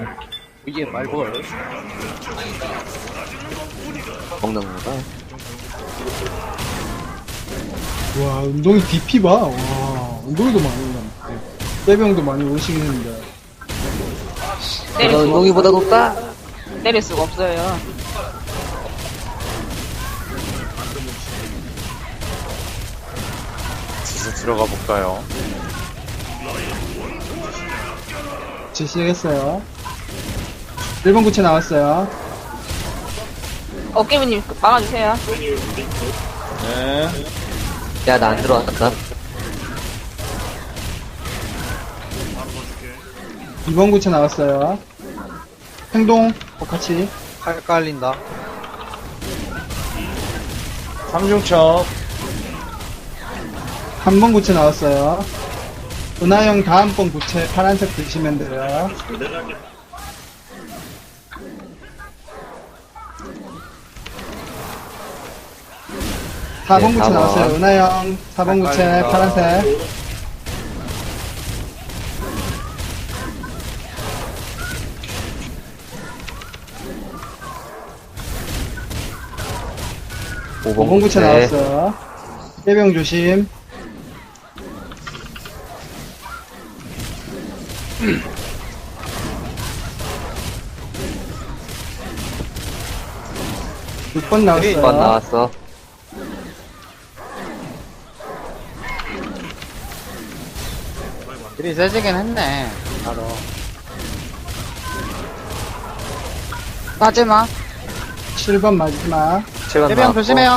이게 말벌. 먹는 건가? 와, 운동이 DP 봐. 와, 운동이도 많이 올랐네. 떼병도 많이 오시긴 했는데. 내가 운동이보다 높다? 때릴 수가 없어요. 진짜 들어가 볼까요? 시작했어요. 1번 구체 나왔어요. 깨미님 막아주세요. 네. 야, 나 안 들어왔다. 2번 구체 나왔어요. 행동, 같이. 팔 깔린다. 삼중첩. 3번 구체 나왔어요. 은하형 다음번 구체 파란색 드시면 돼요. 네, 4번 구체 4번. 나왔어요. 은하형 4번 구체 빨리 가. 파란색. 오 5번 구체 나왔어요. 해병 조심. 육 번 나왔어요. 1번 나왔어. 길이 세지긴 했네. 바로. 마지막. 7번 마지막. 7번 해병 나왔고. 조심해요.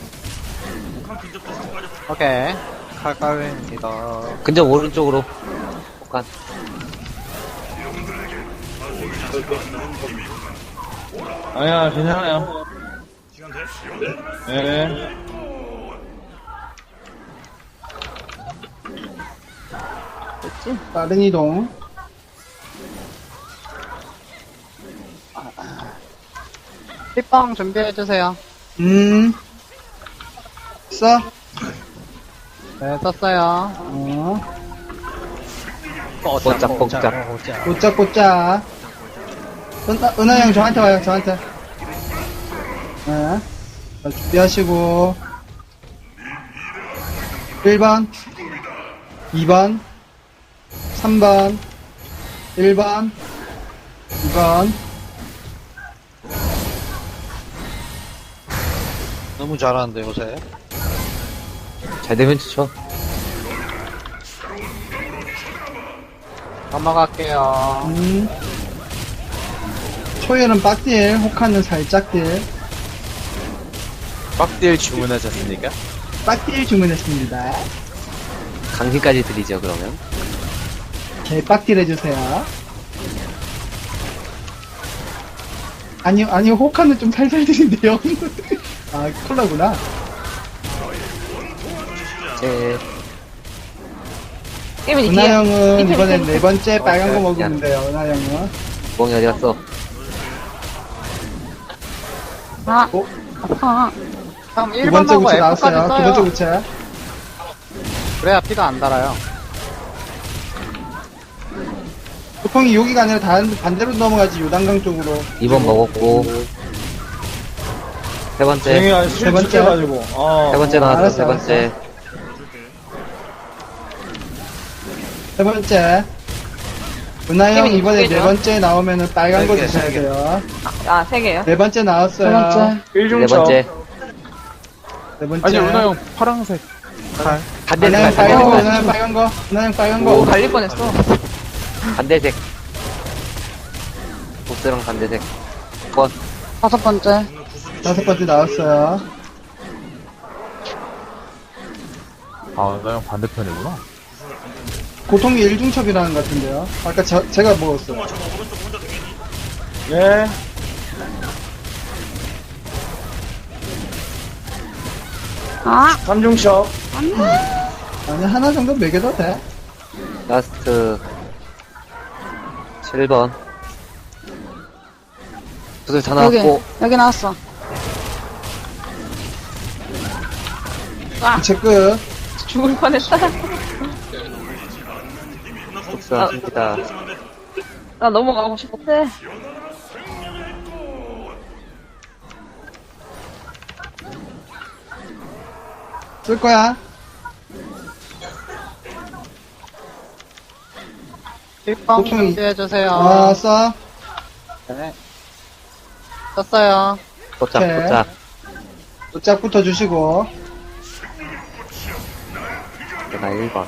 오케이. 칼 깔립니다. 근접 오른쪽으로. 혹한. 아니야, 괜찮아요. 네. 빠른 이동. pit빵 준비해주세요. 써. 네, 썼어요. 뽀짝뽀짝. 꼬짝꼬짝. 은하형 저한테 와요, 저한테. 네. 자, 준비하시고. 1번, 2번, 3번, 1번, 2번. 너무 잘하는데, 요새. 잘 되면 좋죠. 넘어갈게요. 초열은 빡딜, 혹하는 살짝 딜. 빡딜 주문하셨습니까? 빡딜 주문했습니다. 강신까지 드리죠, 그러면. 개 빡딜 해주세요. 아니요, 혹하는 좀 살살 드린데요. 아, 콜라구나. 제, 깨미님 뒤에. 은하형은 밑에, 이번엔 밑에, 네 번째 빨간 거 야. 먹으면 돼요, 은하형은. 멍이 어디 갔어? 아, 어? 아파. 그럼 두 번째 1번하고 구체 F까지 나왔어요. 두 번째 써요. 구체. 그래야 피가 안 달아요. 보통이 여기가 아니라 반대로 넘어가지, 요단강 쪽으로. 2번 먹었고. 세 번째. 세 번째. 세 번째 나왔어, 알았어, 세 번째. 세 번째. 은하형 깨미님 이번에 두 개죠? 네 번째 나오면은 빨간 거 세 개, 드셔야 세 개. 돼요. 아, 3개요. 네 번째 나왔어요. 네 번째. 네 번째. 아니, 은하 형 파랑색 칼. 은하형 반대색, 빨간 거, 반대색. 은하형 빨간 거, 은하형 빨간 오, 거. 갈릴 뻔했어. 반대색. 보스랑 반대색. 1번. 5번째. 다섯 번째 나왔어요. 아, 은하 형 반대편이구나. 고통이 일중첩이라는 것 같은데요. 아까 제가 먹었어요. 예. 아, 삼중첩. 아니, 하나 정도 먹여도 돼. 라스트. 7번. 구슬 다 나왔고. 여기 나왔어. 아, 이체 끝. 죽을 뻔했다. 복수합니다. 나 넘어가고 싶었대. 쓸 거야. 힐빵 보통 준비해주세요. 써. 네. 썼어요. 도착, 오케이. 도착. 도짝부터 주시고. 내가 1번.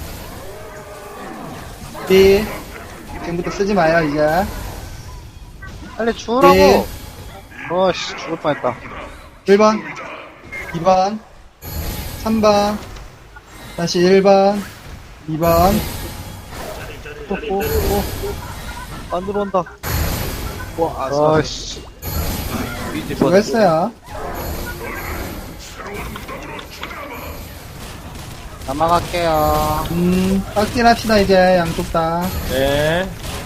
B. 지금부터 쓰지 마요, 이제. 빨리 주우라고. 네. 어씨, 죽을 뻔했다. 1번, 2번, 3번, 다시 1번, 2번, 안 들어온다. 와, 아씨. 수고했어요. 넘어갈게요. 빡딜 합시다, 이제, 양쪽 다. 네.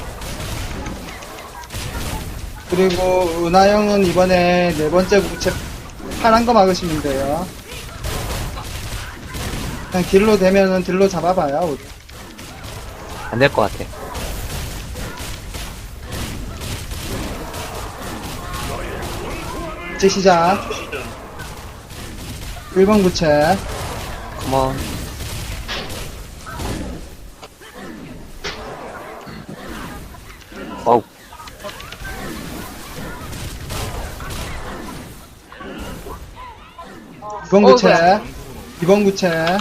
그리고, 은하영은 이번에 네 번째 부채 파란 거 막으시면 돼요. 그냥 딜로 되면은 딜로 잡아봐요, 우리. 안 될 것 같아. 이제 시작. 1번 부채. 컴온. 어우, 2번 구체, 2번 구체,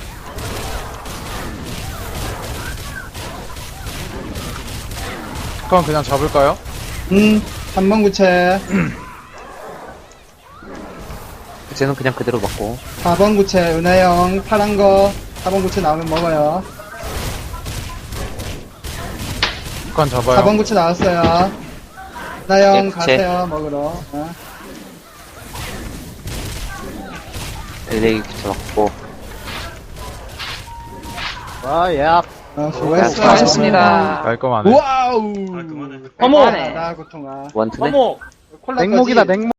그럼 그냥 잡을까요? 3번 구체, 쟤는 그냥 그대로 먹고. 4번 구체, 은하영, 파란 거, 4번 구체 나오면 먹어요. 북한 잡아요. 4번 구체 나왔어요. 은하영 예, 구체. 가세요, 먹으러. LA 붙여먹고. 와, 예. 수고했어요. 수고하셨습니다. 깔끔하네. 와우! 어머! 나 고통아. 원투네? 냉목이다, 냉목.